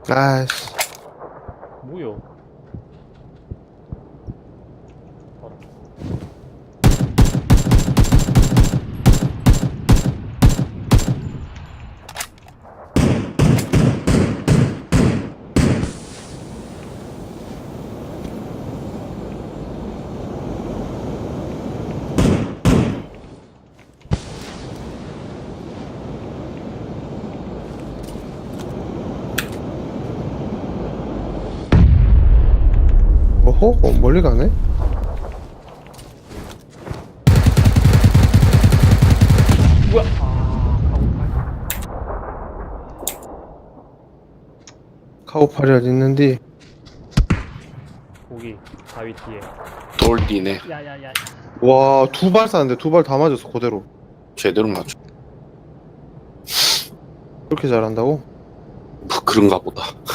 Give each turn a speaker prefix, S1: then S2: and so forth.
S1: 아이씨.
S2: 뭐요?
S1: 어허? 멀리 가네?
S2: 뭐야?
S1: 카고팔이 어디 있는디?
S2: 거기 바위 뒤에.
S3: 돌 뒤네.
S2: 야야야.
S1: 와, 두 발 쐈는데 두 발 다 맞았어, 그대로.
S3: 제대로 맞춰.
S1: 그렇게 잘한다고?
S3: 뭐 그런가 보다.